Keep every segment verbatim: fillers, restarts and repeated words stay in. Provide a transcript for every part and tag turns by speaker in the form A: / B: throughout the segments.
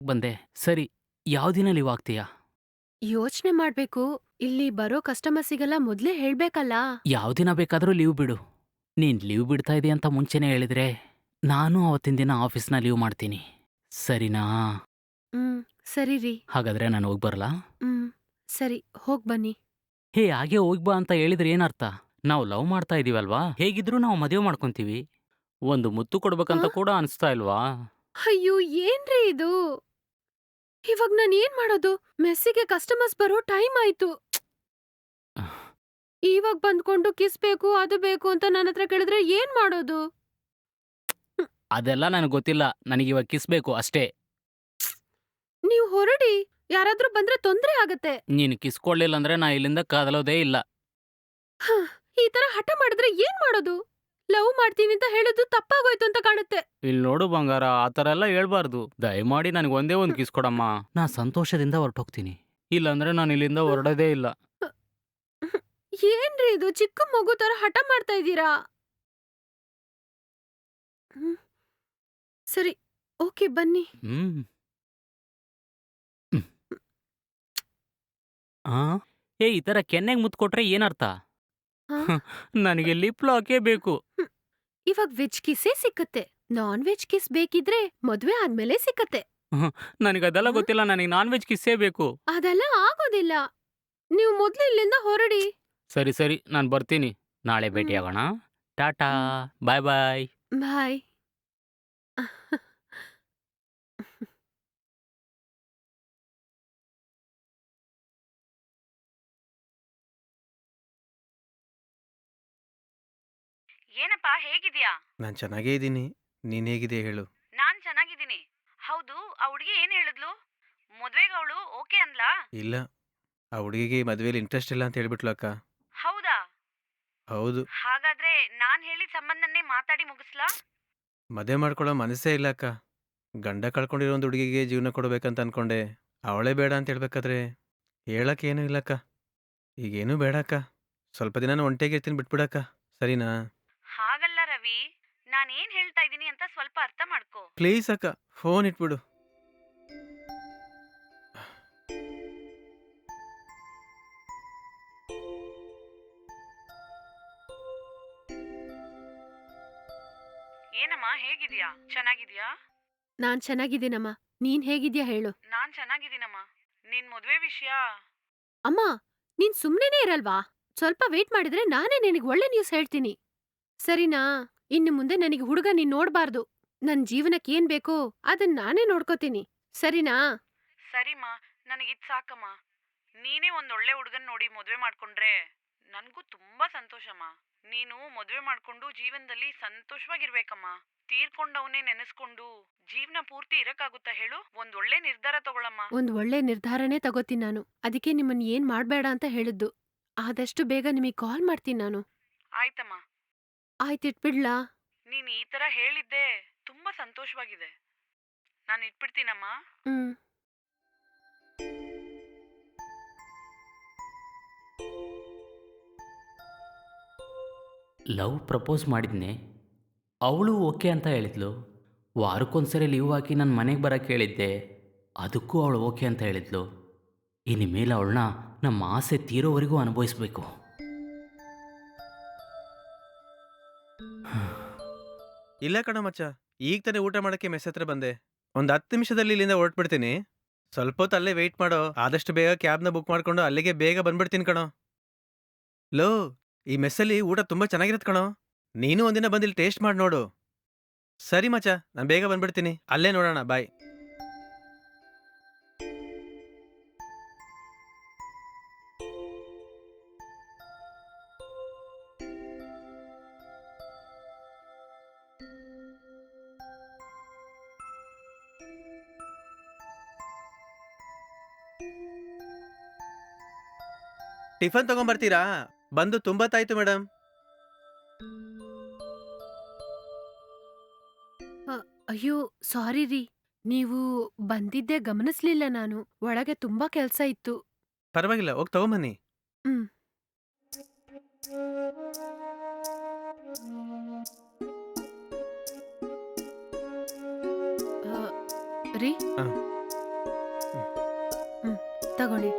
A: ಬಂದೆ. ಸರಿ, ಯಾವ ದಿನ ಲೀವ್ ಆಗ್ತೀಯಾ?
B: ಯೋಚ್ನೆ ಮಾಡ್ಬೇಕು. ಇಲ್ಲಿ ಬರೋ ಕಸ್ಟಮರ್ಸಿಗೆಲ್ಲ ಮೊದ್ಲೇ ಹೇಳ್ಬೇಕಲ್ಲ.
A: ಯಾವ ದಿನ ಬೇಕಾದರೂ ಲೀವ್ ಬಿಡು. ನೀನ್ ಲೀವ್ ಬಿಡ್ತಾ ಇದೀಯ ಅಂತ ಮುಂಚೆನೇ ಹೇಳಿದ್ರೆ, ನಾನು ಅವತ್ತಿನ ದಿನ ಆಫೀಸ್‌ನ ಲೀವ್ ಮಾಡ್ತೀನಿ. ಸರಿನಾ?
B: ಹ್ಮ್, ಸರಿ ರೀ.
A: ಹಾಗಾದ್ರೆ ನಾನು ಹೋಗಿ ಬರಲಾ?
B: ಹ್ಮ್, ಸರಿ ಹೋಗ್ ಬನ್ನಿ.
A: ಹೇ, ಹಾಗೆ ಹೋಗಿ ಬಾ ಅಂತ ಹೇಳಿದ್ರೆ ಏನರ್ಥ? ನಾವು ಲವ್ ಮಾಡ್ತಾ ಇದೀವಲ್ವಾ? ಹೇಗಿದ್ರೂ ನಾವು ಮದುವೆ ಮಾಡ್ಕೊಂತೀವಿ. ಒಂದು ಮುತ್ತು
B: ಆ?
A: ಕೊಡ್ಬೇಕಂತ ಕೂಡ ಅನಿಸ್ತಾ ಇಲ್ವಾ?
B: ಅಯ್ಯೋ, ಏನ್ರಿ ಇದು? ಇವಾಗ್ ನಾನ್ ಏನ್ ಮಾಡೋದು? ಮೆಸ್ಸಿಗೆ ಕಸ್ಟಮರ್ಸ್ ಬರೋ ಟೈಮ್ ಆಯ್ತು. ಇವಾಗ್ ಬಂದ್ಕೊಂಡು ಕಿಸ್ ಬೇಕು, ಅದು ಬೇಕು ಅಂತ ನನ್ನತ್ರ ಕೇಳಿದ್ರೆ ಏನ್ ಮಾಡೋದು? ಹ್ಮ್,
A: ಅದೆಲ್ಲ ನನಗೆ ಗೊತ್ತಿಲ್ಲ. ನನಗಿವಾಗ ಕಿಸ್ ಬೇಕು ಅಷ್ಟೇ.
B: ನೀವ್ ಹೊರಡಿ. ಯಾರಾದ್ರೂ ಬಂದ್ರೆ ತೊಂದ್ರೆ ಆಗತ್ತೆ.
A: ನೀನು ಕಿಸ್ ಕೊಡ್ಲಿಲ್ಲ ಅಂದ್ರೆ ನಾ ಇಲ್ಲಿಂದ ಕದಲೋದೇ ಇಲ್ಲ.
B: ಹ, ಈ ತರ ಹಠ ಮಾಡಿದ್ರೆ ಏನ್ ಮಾಡೋದು? ಲವ್ ಮಾಡ್ತೀನಿ ಅಂತ ಹೇಳೋದು ತಪ್ಪಾಗೋಯ್ತು ಅಂತ ಕಾಣುತ್ತೆ.
A: ಇಲ್ಲಿ ನೋಡು ಬಂಗಾರ, ಆ ಥರ ಎಲ್ಲ ಹೇಳ್ಬಾರ್ದು. ದಯಮಾಡಿ ನನಗೆ ಒಂದೇ ಒಂದು
B: ಹ್ಮ್,
A: ಕಿಸ್ ಕೊಡಮ್ಮ. ನಾ ಸಂತೋಷದಿಂದ ಹೊರಟೋಗ್ತೀನಿ. ಇಲ್ಲಾಂದ್ರೆ ನಾನು ಇಲ್ಲಿಂದ
B: ಹ್ಮ್,
A: ಹೊರಡೋದೇ ಇಲ್ಲ.
B: ಹ್ಮ್. ಏನ್ರಿ ಇದು ಚಿಕ್ಕ ಮಗು ತರ ಹಠ ಮಾಡ್ತಾ ಇದ್ದೀರಾ? ಹ್ಮ್, ಸರಿ, ಓಕೆ ಬನ್ನಿ.
A: ಹ್ಮ್. ಆ? ಏ, ಈ ಥರ ಕೆನ್ನೆಗೆ ಮುತ್ತು ಕೊಟ್ರೆ ಏನರ್ಥ?
B: ಹಾ?
A: ನನಗೆ ಲಿಪ್ ಲಾಕೇ ಬೇಕು.
B: ಹ್ಮ್. ಇವಾಗ್ ವೆಜ್ ಕಿಸ್ಸೇ ಸಿಕ್ಕತ್ತೆ. ನಾನ್ ವೆಜ್ ಕಿಸ್ ಬೇಕಿದ್ರೆ ಮದ್ವೆ ಆದ್ಮೇಲೆ ಸಿಕ್ಕತ್ತೆ.
A: ನನಗದೆಲ್ಲ
B: ಹ್ಮ್?
A: ಗೊತ್ತಿಲ್ಲ. ನನಗೆ ನಾನ್ ವೆಜ್ ಕಿಸ್ಸೇ ಬೇಕು.
B: ಅದೆಲ್ಲ ಆಗೋದಿಲ್ಲ. ನೀವು ಮೊದ್ಲು ಇಲ್ಲಿಂದ ಹೊರಡಿ.
A: ಸರಿ ಸರಿ, ನಾನು ಬರ್ತೀನಿ. ನಾಳೆ
B: ಹ್ಮ್,
A: ಭೇಟಿಯಾಗೋಣ. ಟಾಟಾ.
B: ಹ್ಮ್.
A: ಬಾಯ್ ಬಾಯ್.
B: ಬಾಯ್.
C: ಏನಪ್ಪ ಹೇಗಿದ್ಯಾ?
D: ನಾನು ಚೆನ್ನಾಗೇ ಇದ್ದೀನಿ. ನೀನು ಹೇಗಿದೆಯಾ ಹೇಳು?
C: ನಾನ್ ಚೆನ್ನಾಗಿದ್ದೀನಿ. ಹೌದು, ಆ ಹುಡುಗಿ ಏನ್ ಹೇಳಿದ್ಲು? ಮದ್ವೆಗೆ ಅವಳು ಓಕೆ ಅಂದ್ಲಾ?
D: ಇಲ್ಲ, ಆ ಹುಡುಗಿಗೆ ಮದುವೆಲಿ ಇಂಟ್ರೆಸ್ಟ್ ಇಲ್ಲ ಅಂತ ಹೇಳ್ಬಿಟ್ಲು ಅಕ್ಕ.
C: ಹೌದಾ?
D: ಹೌದು,
C: ಹಾಗಾದ್ರೆ ನಾನ್ ಹೇಳಿದ ಸಂಬಂಧನೇ ಮಾತಾಡಿ ಮುಗಿಸ್ಲಾ?
D: ಮದುವೆ ಮಾಡ್ಕೊಳ್ಳೋ ಮನಸ್ಸೇ ಇಲ್ಲ ಅಕ್ಕ. ಗಂಡ ಕಳ್ಕೊಂಡಿರೋ ಒಂದು ಹುಡುಗಿಗೆ ಜೀವನ ಕೊಡಬೇಕಂತ ಅನ್ಕೊಂಡೆ. ಅವಳೇ ಬೇಡ ಅಂತ ಹೇಳ್ಬೇಕಾದ್ರೆ ಹೇಳಕ್ಕೆ ಏನೂ ಇಲ್ಲಕ್ಕ. ಈಗೇನೂ ಬೇಡ ಅಕ್ಕ. ಸ್ವಲ್ಪ ದಿನ ನಾನು ಒಂಟಿಯಾಗಿರ್ತೀನಿ, ಬಿಟ್ಬಿಡಕ್ಕ. ಸರಿನಾ?
C: ಹಾಗಲ್ಲ ರವಿ, ನಾನೇನ್ ಹೇಳ್ತಾ ಇದ್ದೀನಿ ಅಂತ ಸ್ವಲ್ಪ ಅರ್ಥ ಮಾಡ್ಕೋ.
D: ಪ್ಲೀಸ್ ಅಕ್ಕ, ಫೋನ್ ಇಟ್ಬಿಡು.
C: ಏನಮ್ಮ ಹೇಗಿದ್ಯಾ? ಚೆನ್ನಾಗಿದ್ಯಾ?
B: ನಾನ್ ಚೆನ್ನಾಗಿದ್ದೀನಮ್ಮ. ನೀನ್ ಹೇಗಿದ್ಯಾ ಹೇಳು.
C: ನಾನ್ ಚೆನ್ನಾಗಿದ್ದೀನಮ್ಮ. ನಿನ್ ಮದ್ವೆ ವಿಷಯ.
B: ಅಮ್ಮ, ನೀನ್ ಸುಮ್ನೆನೇ ಇರಲ್ವಾ? ಸ್ವಲ್ಪ ವೇಟ್ ಮಾಡಿದ್ರೆ ನಾನೇ ನಿನಗ್ ಒಳ್ಳೆ ನ್ಯೂಸ್ ಹೇಳ್ತೀನಿ. ಸರಿನಾ? ಇನ್ನು ಮುಂದೆ ನನಗೆ ಹುಡುಗ ನೀನ್ ನೋಡ್ಬಾರ್ದು. ನನ್ ಜೀವನಕ್ಕೆ ಏನ್ ಬೇಕೋ ಅದನ್ ನಾನೇ ನೋಡ್ಕೋತೀನಿ. ಸರಿನಾ?
C: ಸರಿಮ್ಮ, ನನಗಿದ್ ಸಾಕಮ್ಮ. ನೀನೇ ಒಂದ್ ಒಳ್ಳೆ ಹುಡುಗನ್ ನೋಡಿ ಮದ್ವೆ ಮಾಡ್ಕೊಂಡ್ರೆ ನನ್ಗೂ ತುಂಬಾ ಸಂತೋಷಮ್ಮ. ನೀನು ಮದ್ವೆ ಮಾಡ್ಕೊಂಡು ಜೀವನದಲ್ಲಿ ಸಂತೋಷವಾಗಿರ್ಬೇಕಮ್ಮ. ತೀರ್ಕೊಂಡವನೇ ನೆನೆಸ್ಕೊಂಡು ಜೀವನ ಪೂರ್ತಿ ಇರಕ್ಕಾಗುತ್ತಾ ಹೇಳು? ಒಂದ್ ಒಳ್ಳೆ ನಿರ್ಧಾರ ತಗೊಳಮ್ಮ.
B: ಒಂದ್ ಒಳ್ಳೆ ನಿರ್ಧಾರನೇ ತಗೋತೀನಿ ನಾನು. ಅದಕ್ಕೆ ನಿಮ್ಮನ್ ಏನ್ ಮಾಡ್ಬೇಡ ಅಂತ ಹೇಳಿದ್ದು. ಆದಷ್ಟು ಬೇಗ ನಿಮಗ್ ಕಾಲ್ ಮಾಡ್ತೀನಿ ನಾನು.
C: ಆಯ್ತಮ್ಮ.
B: ಆಯ್ತಿಟ್ಬಿಡ್ಲಾ?
C: ನೀನ್ ಈ ತರ ಹೇಳಿದ್ದೆ ತುಂಬಾ ಸಂತೋಷವಾಗಿದೆ. ನಾನು ಇಟ್ಬಿಡ್ತೀನಮ್ಮ.
B: ಹ್ಮ್.
A: Love propose ಮಾಡಿದ್ನೆ. ಅವಳು ಓಕೆ ಅಂತ ಹೇಳಿದ್ಲು. ವಾರಕ್ಕೊಂದ್ಸರಿ ಲೀವ್ ಹಾಕಿ ನನ್ನ ಮನೆಗೆ ಬರೋಕ್ಕೆ ಹೇಳಿದ್ದೆ. ಅದಕ್ಕೂ ಅವಳು ಓಕೆ ಅಂತ ಹೇಳಿದ್ಲು. ಇನ್ನು ಮೇಲೆ ಅವಳನ್ನ ನಮ್ಮ ಆಸೆ ತೀರೋವರೆಗೂ ಅನುಭವಿಸ್ಬೇಕು.
D: ಇಲ್ಲ ಕಣ ಮಚ್ಚ, ಈಗ ತಾನೇ ಊಟ ಮಾಡೋಕ್ಕೆ ಮೆಸ್ ಹತ್ರ ಬಂದೆ. ಒಂದು ಹತ್ತು ನಿಮಿಷದಲ್ಲಿ ಇಲ್ಲಿಂದ ಹೊರಟ್ಬಿಡ್ತೀನಿ. ಸ್ವಲ್ಪ ಹೊತ್ತು ಅಲ್ಲೇ ವೆಯ್ಟ್ ಮಾಡೋ. ಆದಷ್ಟು ಬೇಗ ಕ್ಯಾಬ್ನ ಬುಕ್ ಮಾಡ್ಕೊಂಡು ಅಲ್ಲಿಗೆ ಬೇಗ ಬಂದ್ಬಿಡ್ತೀನಿ ಕಣೋ. ಲೋ, ಈ ಮೆಸ್ಸಲ್ಲಿ ಊಟ ತುಂಬ ಚೆನ್ನಾಗಿರುತ್ತೆ ಕಣೋ. ನೀನು ಒಂದಿನ ಬಂದಿಲ್ಲಿ ಟೇಸ್ಟ್ ಮಾಡಿ ನೋಡು. ಸರಿ ಮಚ್ಚ, ನಾನು ಬೇಗ ಬಂದ್ಬಿಡ್ತೀನಿ. ಅಲ್ಲೇ ನೋಡೋಣ. ಬಾಯ್. ಟಿಫನ್ ತಗೊಂಬರ್ತೀರಾ? ಬಂದು ತುಂಬತ್ತಾಯ್ತು ಮೇಡಮ್.
B: ಅ, ಅಯ್ಯೋ, ಸಾರಿ ರೀ. ನೀವು ಬಂದಿದ್ದೆ ಗಮನಿಸ್ಲಿಲ್ಲ ನಾನು. ಒಳಗೆ ತುಂಬಾ ಕೆಲ್ಸ ಇತ್ತು.
D: ಪರವಾಗಿಲ್ಲ, ಹೋಗಿ ತಗೊಂಬನ್ನಿ.
B: ಹ್ಮ್. ಅ, ರೀ,
D: ಹಾಂ.
B: ತಗೊಳ್ಳಿ.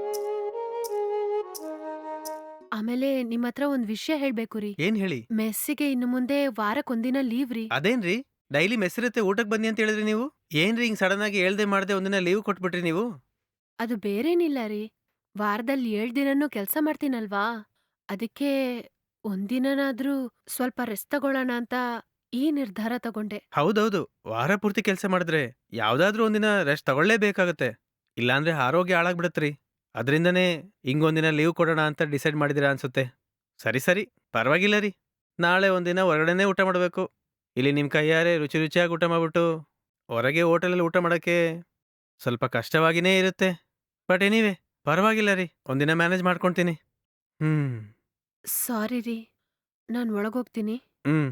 B: ಆಮೇಲೆ ನಿಮ್ ಹತ್ರ ಒಂದ್ ವಿಷಯ ಹೇಳ್ಬೇಕು ರೀ.
D: ಏನ್ ಹೇಳಿ?
B: ಮೆಸ್ಸಿಗೆ ಇನ್ನು ಮುಂದೆ ವಾರಕ್ಕೊಂದಿನ ಲೀವ್ ರೀ.
D: ಅದೇನ್ರಿ ಡೈಲಿ ಮೆಸ್ಸಿರುತ್ತೆ ಊಟಕ್ಕೆ ಬನ್ನಿ ಅಂತ ಹೇಳಿದ್ರಿ ನೀವು? ಏನ್ರಿ ಹಿಂಗ್ ಸಡನ್ ಆಗಿ ಹೇಳ್ದೆ ಮಾಡ್ದೆ ಒಂದಿನ ಲೀವ್ ಕೊಟ್ಬಿಟ್ರಿ ನೀವು?
B: ಅದು ಬೇರೇನಿಲ್ಲ ರೀ. ವಾರದಲ್ಲಿ ಏಳ್ ದಿನನೂ ಕೆಲ್ಸ ಮಾಡ್ತೀನಲ್ವಾ, ಅದಕ್ಕೆ ಒಂದಿನನಾದ್ರೂ ಸ್ವಲ್ಪ ರೆಸ್ಟ್ ತಗೊಳ್ಳೋಣ ಅಂತ ಈ ನಿರ್ಧಾರ ತಗೊಂಡೆ.
D: ಹೌದೌದು, ವಾರ ಪೂರ್ತಿ ಕೆಲಸ ಮಾಡಿದ್ರೆ ಯಾವ್ದಾದ್ರೂ ಒಂದಿನ ರೆಸ್ಟ್ ತಗೊಳ್ಳೇಬೇಕಾಗತ್ತೆ. ಇಲ್ಲಾಂದ್ರೆ ಆರೋಗ್ಯ ಹಾಳಾಗ್ಬಿಡತ್ರಿ. ಅದರಿಂದನೇ ಹಿಂಗೊಂದಿನ ಲೀವ್ ಕೊಡೋಣ ಅಂತ ಡಿಸೈಡ್ ಮಾಡಿದಿರಾ ಅನ್ಸುತ್ತೆ. ಸರಿ ಸರಿ, ಪರವಾಗಿಲ್ಲ ರೀ. ನಾಳೆ ಒಂದಿನ ಹೊರಗಡೆನೇ ಊಟ ಮಾಡಬೇಕು. ಇಲ್ಲಿ ನಿಮ್ಮ ಕೈಯಾರೆ ರುಚಿ ರುಚಿಯಾಗಿ ಊಟ ಮಾಡ್ಬಿಟ್ಟು ಹೊರಗೆ ಹೋಟೆಲಲ್ಲಿ ಊಟ ಮಾಡೋಕ್ಕೆ ಸ್ವಲ್ಪ ಕಷ್ಟವಾಗಿನೇ ಇರುತ್ತೆ. ಬಟ್ ಎನಿವೆ ಪರವಾಗಿಲ್ಲ ರೀ, ಒಂದಿನ ಮ್ಯಾನೇಜ್ ಮಾಡ್ಕೊಳ್ತೀನಿ. ಹ್ಮ್
B: ಸಾರಿ ರೀ, ನಾನ್ ಒಳಗೋಗ್ತೀನಿ.
D: ಹ್ಮ್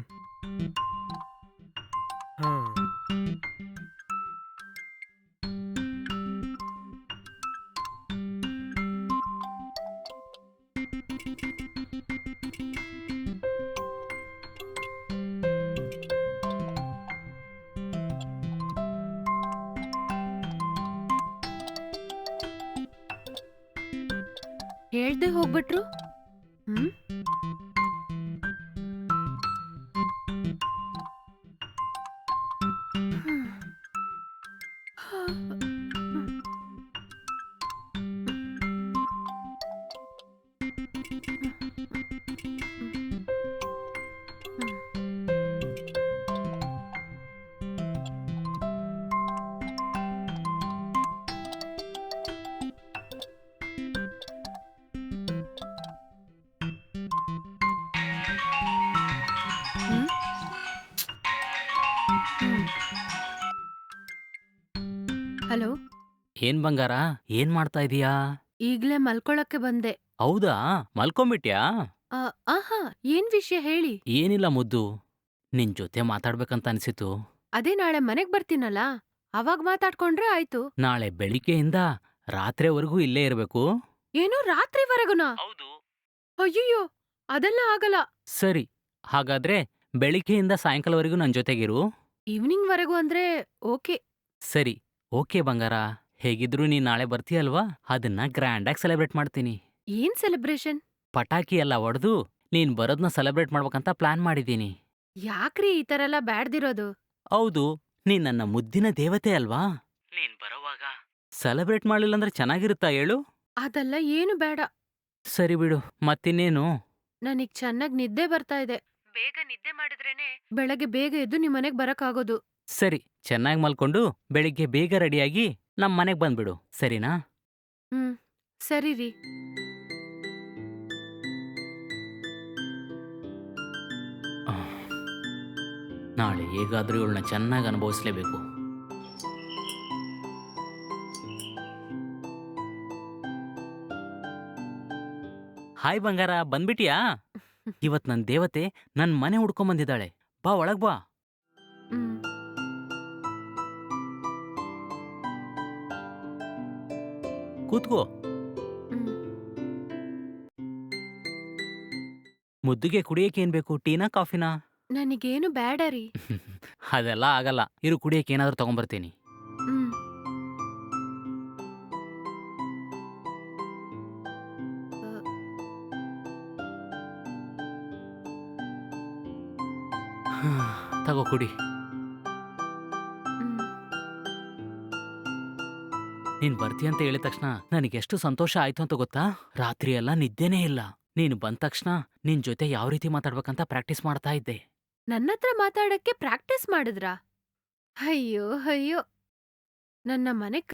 D: ಹಾ
B: ಹೇಳ್ದೆ ಹೋಗ್ಬಿಟ್ರು. ಹ್ಮ್ ಹ್ಮ್ ಹ್ಮ್ ಹಲೋ,
A: ಏನ್ ಬಂಗಾರ, ಏನ್ ಮಾಡ್ತಾ ಇದೀಯಾ?
B: ಈಗ್ಲೇ ಮಲ್ಕೊಳಕ್ಕೆ ಬಂದೆ.
A: ಹೌದಾ, ಮಲ್ಕೊಂಬಿಟ್ಯಾ?
B: ಆ, ಆಹಾ, ಏನ್ ವಿಷಯ ಹೇಳಿ.
A: ಏನಿಲ್ಲ ಮುದ್ದು, ನಿನ್ ಜೊತೆ ಮಾತಾಡ್ಬೇಕಂತ ಅನ್ಸಿತು.
B: ಅದೇ ನಾಳೆ ಮನೆಗ್ ಬರ್ತೀನಲ್ಲ, ಅವಾಗ್ ಮಾತಾಡ್ಕೊಂಡ್ರೆ ಆಯ್ತು.
A: ನಾಳೆ ಬೆಳಿಗ್ಗೆಯಿಂದ ರಾತ್ರಿವರೆಗೂ ಇಲ್ಲೇ ಇರಬೇಕು.
B: ಏನೋ ರಾತ್ರಿವರೆಗುನಾ?
A: ಹೌದು.
B: ಅಯ್ಯಯ್ಯೋ, ಅದೆಲ್ಲ ಆಗಲ್ಲ.
A: ಸರಿ, ಹಾಗಾದ್ರೆ ಬೆಳಿಗ್ಗೆಯಿಂದ ಸಾಯಂಕಾಲವರೆಗೂ ನನ್ ಜೊತೆಗಿರು.
B: ಈವ್ನಿಂಗ್ ವರೆಗೂ ಅಂದ್ರೆ ಓಕೆ.
A: ಸರಿ, ಓಕೆ ಬಂಗಾರ. ಹೇಗಿದ್ರು ನೀನ್ ನಾಳೆ ಬರ್ತೀಯಲ್ವಾ, ಅದನ್ನ ಗ್ರ್ಯಾಂಡಾಗಿ ಸೆಲೆಬ್ರೇಟ್ ಮಾಡ್ತೀನಿ.
B: ಏನ್ ಸೆಲೆಬ್ರೇಷನ್?
A: ಪಟಾಕಿ ಎಲ್ಲ ಹೊಡೆದು ನೀನ್ ಬರೋದ್ನ ಸೆಲೆಬ್ರೇಟ್ ಮಾಡ್ಬೇಕಂತ ಪ್ಲಾನ್ ಮಾಡಿದ್ದೀನಿ.
B: ಯಾಕ್ರಿ ಈ ತರ ಎಲ್ಲ ಬ್ಯಾಡ್ದಿರೋದು?
A: ಹೌದು, ನೀನ್ ನನ್ನ ಮುದ್ದಿನ ದೇವತೆ ಅಲ್ವಾ? ನೀನ್ ಬರೋವಾಗ ಸೆಲೆಬ್ರೇಟ್ ಮಾಡ್ಲಿಲ್ಲ ಅಂದ್ರೆ ಚೆನ್ನಾಗಿರುತ್ತಾ ಹೇಳು?
B: ಅದೆಲ್ಲ ಏನು ಬೇಡ.
A: ಸರಿ ಬಿಡು, ಮತ್ತಿನ್ನೇನು?
B: ನನಗ್ ಚೆನ್ನಾಗ್ ನಿದ್ದೆ ಬರ್ತಾ ಇದೆ. ಬೇಗ ನಿದ್ದೆ ಮಾಡಿದ್ರೇನೆ ಬೆಳಗ್ಗೆ ಬೇಗ ಎದ್ದು ನಿಮ್ ಮನೆಗ್ ಬರಕ್ಕಾಗೋದು.
A: ಸರಿ, ಚೆನ್ನಾಗಿ ಮಲ್ಕೊಂಡು ಬೆಳಿಗ್ಗೆ ಬೇಗ ರೆಡಿಯಾಗಿ ನಮ್ ಮನೆಗ್ ಬಂದ್ಬಿಡು, ಸರಿನಾ?
B: ಹ್ಮ್ ಸರಿ ರೀ.
A: ಆಹ್, ನಾಳೆ ಹೇಗಾದ್ರೂ ಇವಳನ್ನ ಚೆನ್ನಾಗಿ ಅನುಭವಿಸ್ಲೇಬೇಕು. ಹಾಯ್ ಬಂಗಾರ, ಬಂದ್ಬಿಟಿಯಾ? ಇವತ್ ನನ್ ದೇವತೆ ನನ್ ಮನೆ ಹುಡ್ಕೊಂಬಂದಿದ್ದಾಳೆ. ಬಾ, ಒಳಗ್ ಬಾ.
B: ಹ್ಮ್
A: ಕೂತ್ಕೋ.
B: ಹ್ಮ್
A: ಮುದ್ದುಗೆ ಕುಡಿಯಕ್ಕೆ ಏನ್ ಬೇಕು, ಟೀನಾ ಕಾಫಿನಾ?
B: ನನಗೇನು ಬೇಡ ರೀ.
A: ಅದೆಲ್ಲ ಆಗಲ್ಲ, ಇರು ಕುಡಿಯಕ್ಕೆ ಏನಾದ್ರೂ ತಗೊಂಬರ್ತೀನಿ.
B: ಹ್ಮ್
A: ತಗೋ ಕುಡಿ.
B: ಹ್ಮ್
A: ನೀನ್ ಬರ್ತೀಯ ಅಂತ ಹೇಳಿದ ತಕ್ಷಣ ನನಗೆಷ್ಟು ಸಂತೋಷ ಆಯ್ತು ಅಂತ ಗೊತ್ತಾ? ರಾತ್ರಿ ಎಲ್ಲ ನಿದ್ದೆನೇ ಇಲ್ಲ. ನೀನು ಬಂದ ತಕ್ಷಣ ನಿನ್ ಜೊತೆ ಯಾವ ರೀತಿ ಮಾತಾಡ್ಬೇಕಂತ ಪ್ರಾಕ್ಟೀಸ್ ಮಾಡ್ತಾ ಇದ್ದೆ.
B: ನನ್ನತ್ರ ಮಾತಾಡಕ್ಕೆ ಪ್ರಾಕ್ಟೀಸ್ ಮಾಡಿದ್ರಾ? ಅಯ್ಯೋ ಅಯ್ಯೋ, ನನ್ನ ಮನೆ